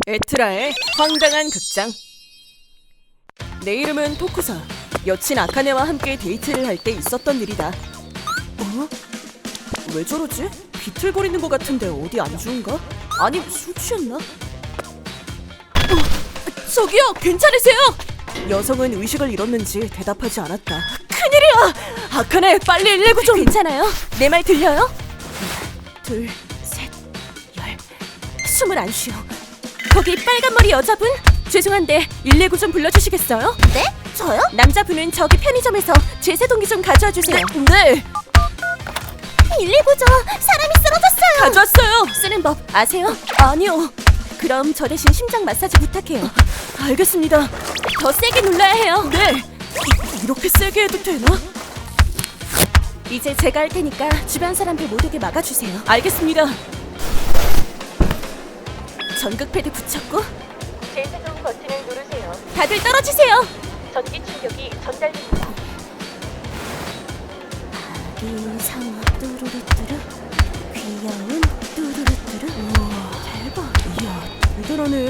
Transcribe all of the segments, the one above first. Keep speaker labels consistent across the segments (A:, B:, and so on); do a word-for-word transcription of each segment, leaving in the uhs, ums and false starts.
A: 에트라의 황당한 극장. 내 이름은 토쿠사. 여친 아카네와 함께 데이트를 할 때 있었던 일이다. 어? 왜 저러지? 비틀거리는 것 같은데 어디 안 좋은가? 아니 술 취했나? 어, 저기요, 괜찮으세요? 여성은 의식을 잃었는지 대답하지 않았다. 큰일이야! 아카네, 빨리 일일구 좀! 괜찮아요? 내 말 들려요? 하나, 둘, 셋, 열. 숨을 안 쉬어. 거기 빨간머리 여자분? 죄송한데 일일구 좀 불러주시겠어요?
B: 네? 저요?
A: 남자분은 저기 편의점에서 제세동기 좀 가져와 주세요. 네!
B: 일일구죠. 사람이 쓰러졌어요.
A: 가져왔어요! 쓰는 법 아세요? 아니요. 그럼 저 대신 심장 마사지 부탁해요. 알겠습니다. 더 세게 눌러야 해요. 네! 이, 이렇게 세게 해도 되나? 이제 제가 할 테니까 주변 사람들 못 오게 막아주세요. 알겠습니다. 전극 패드 붙였고 제세동 버튼을 누르세요. 다들 떨어지세요. 전기 충격이 전달됩니다. 아기상어 뚜루루뚜루, 귀여운 뚜루루뚜루. 우와, 대박. 이야, 대단하네.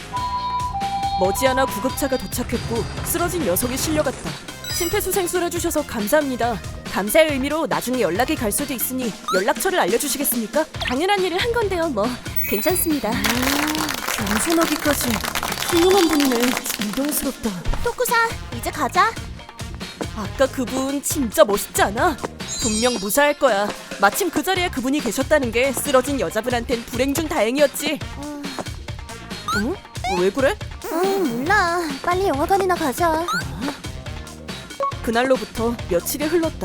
A: 머지않아 구급차가 도착했고 쓰러진 녀석이 실려갔다. 심폐소생술 해주셔서 감사합니다. 감사의 의미로 나중에 연락이 갈 수도 있으니 연락처를 알려주시겠습니까? 당연한 일을 한 건데요, 뭐 괜찮습니다. 겸손하기까지 훌륭한 분이네. 존경스럽다.
B: 토쿠사, 이제 가자.
A: 아까 그분 진짜 멋있지 않아? 분명 무사할 거야. 마침 그 자리에 그분이 계셨다는 게 쓰러진 여자분한텐 불행 중 다행이었지.
B: 음,
A: 응? 왜 그래?
B: 음, 몰라. 빨리 영화관이나 가자.
A: 그날로부터 며칠이 흘렀다.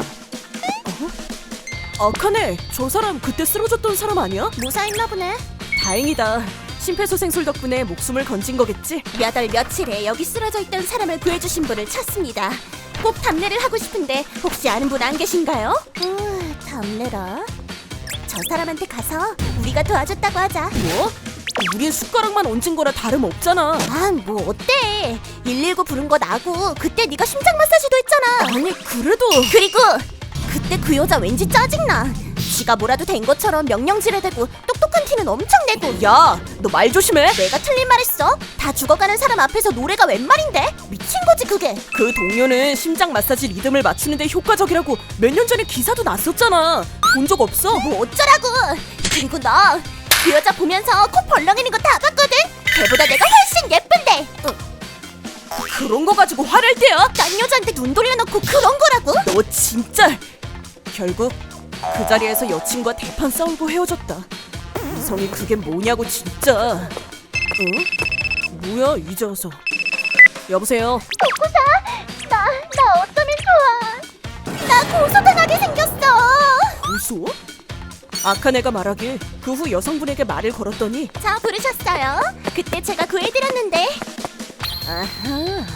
A: 어? 아카네, 저 사람 그때 쓰러졌던 사람 아니야?
B: 무사했나 보네.
A: 다행이다. 심폐소생술 덕분에 목숨을 건진 거겠지?
B: 몇 월 며칠에 여기 쓰러져 있던 사람을 구해주신 분을 찾습니다. 꼭 답례를 하고 싶은데 혹시 아는 분 안 계신가요? 음, 답례라. 저 사람한테 가서 우리가 도와줬다고 하자.
A: 뭐? 우린 숟가락만 얹은 거라 다름없잖아.
B: 아, 뭐 어때? 일일구 부른 거 나고 그때 네가 심장 마사지도 했잖아.
A: 아니 그래도
B: 그리고 그때 그 여자 왠지 짜증나. 지가 뭐라도 된 것처럼 명령지레대고 똑똑한 티는 엄청 내고.
A: 야, 너 말 조심해.
B: 내가 틀린 말 했어? 다 죽어가는 사람 앞에서 노래가 웬 말인데? 미친 거지 그게.
A: 그 동료는 심장 마사지 리듬을 맞추는데 효과적이라고 몇 년 전에 기사도 났었잖아. 본 적 없어?
B: 뭐 어쩌라고. 친구 너 그 여자 보면서 코 벌렁이는 거 다 봤거든? 걔보다 내가 훨씬 예쁜데. 어,
A: 그런 거 가지고 화낼 때야?
B: 딴 여자한테 눈 돌려놓고 그런 거라고?
A: 너 진짜. 결국 그 자리에서 여친과 대판 싸우고 헤어졌다. 이성이 그게 뭐냐고 진짜. 응? 뭐야 이제 와서. 여보세요.
B: 토쿠사, 나, 나 어쩌면 좋아. 나 고소당하게 생겼어.
A: 고소? 아카네가 말하길 그 후 여성분에게 말을 걸었더니
B: 자, 부르셨어요? 그때 제가 구해드렸는데. 아하,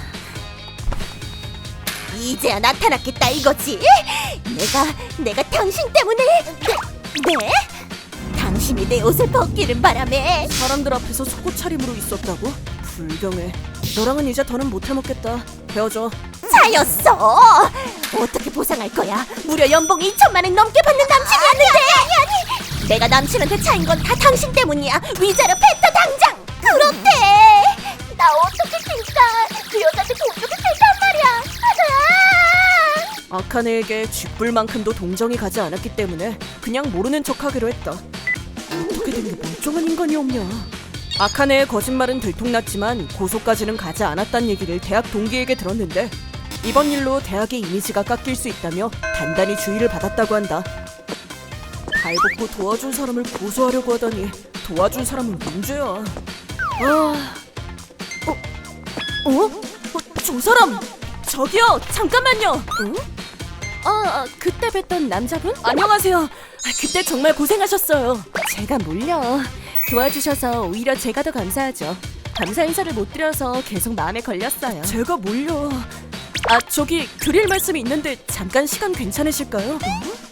B: 이제야 나타났겠다 이거지? 내가, 내가 당신 때문에. 네? 네? 당신이 내 옷을 벗기는 바람에.
A: 사람들 앞에서 속옷 차림으로 있었다고? 불경해. 너랑은 이제 더는 못 해먹겠다. 헤어져.
B: 차였어. 어떻게 보상할 거야? 무려 연봉 이천만 원 넘게 받는 남친이었는데. 아니, 아니, 아니. 내가 남친한테 차인 건 다 당신 때문이야. 위자료 뱉어 당장. 그렇대. 나 어떻게 진짜 그 여자한테 돈 주고 살단 말이야. 아!
A: 아카네에게 쥐뿔만큼도 동정이 가지 않았기 때문에 그냥 모르는 척하기로 했다. 어떻게 된 게 멀쩡한 인간이 없냐. 아카네의 거짓말은 들통났지만 고소까지는 가지 않았단 얘기를 대학 동기에게 들었는데 이번 일로 대학의 이미지가 깎일 수 있다며 단단히 주의를 받았다고 한다. 발벗고 도와준 사람을 고소하려고 하다니 도와준 사람은 문제야. 아... 어? 어? 어? 저 사람! 저기요! 잠깐만요! 응? 어, 어, 그때 뵀던 남자분? 안녕하세요. 아, 그때 정말 고생하셨어요. 제가 몰려. 도와주셔서 오히려 제가 더 감사하죠. 감사 인사를 못 드려서 계속 마음에 걸렸어요. 제가 몰려. 아, 저기 드릴 말씀이 있는데 잠깐 시간 괜찮으실까요? 어?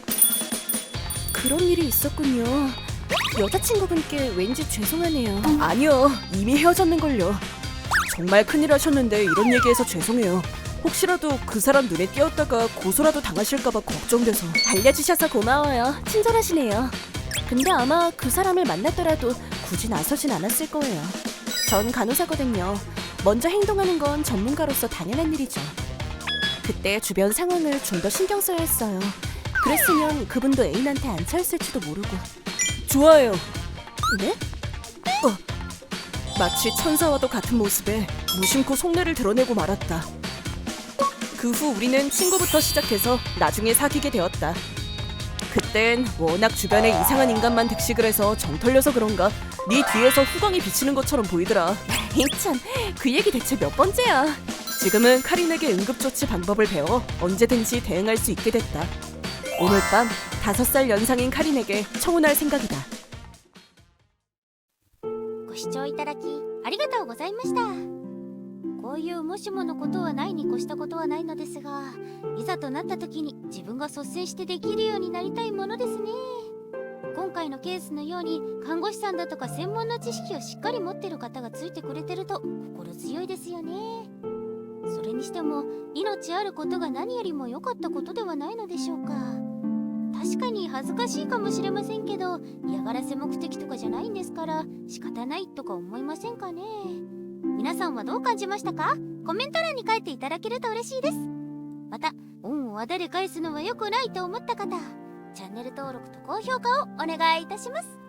A: 그런 일이 있었군요. 여자친구분께 왠지 죄송하네요. 아니요, 이미 헤어졌는걸요. 정말 큰일 하셨는데 이런 얘기해서 죄송해요. 혹시라도 그 사람 눈에 띄었다가 고소라도 당하실까봐 걱정돼서. 알려주셔서 고마워요. 친절하시네요. 근데 아마 그 사람을 만났더라도 굳이 나서진 않았을 거예요. 전 간호사거든요. 먼저 행동하는 건 전문가로서 당연한 일이죠. 그때 주변 상황을 좀 더 신경 써야 했어요. 그랬으면 그분도 애인한테 안 차였을지도 모르고. 좋아요. 네? 어. 마치 천사와도 같은 모습에 무심코 속내를 드러내고 말았다. 그 후 우리는 친구부터 시작해서 나중에 사귀게 되었다. 그땐 워낙 주변에 이상한 인간만 득식을 해서 정 털려서 그런가 네 뒤에서 후광이 비치는 것처럼 보이더라. 참, 그 얘기 대체 몇 번째야. 지금은 카린에게 응급조치 방법을 배워 언제든지 대응할 수 있게 됐다. 오늘 밤 다섯 살 연상인 카린에게 청혼할 생각이다.
B: ご視聴いただきありがとうございました。こういうもしものことはないに越したことはないのですが、いざとなった時に自分が率先してできるようになりたいものですね。今回のケースのように看護師さんだとか専門の知識をしっかり持ってる方がついてくれてると心強いですよね。それにしても命あることが何よりも良かったことではないのでしょうか。確かに恥ずかしいかもしれませんけど、嫌がらせ目的とかじゃないんですから仕方ないとか思いませんかね。皆さんはどう感じましたか？コメント欄に書いていただけると嬉しいです。また恩をあだで返すのは良くないと思った方、チャンネル登録と高評価をお願いいたします。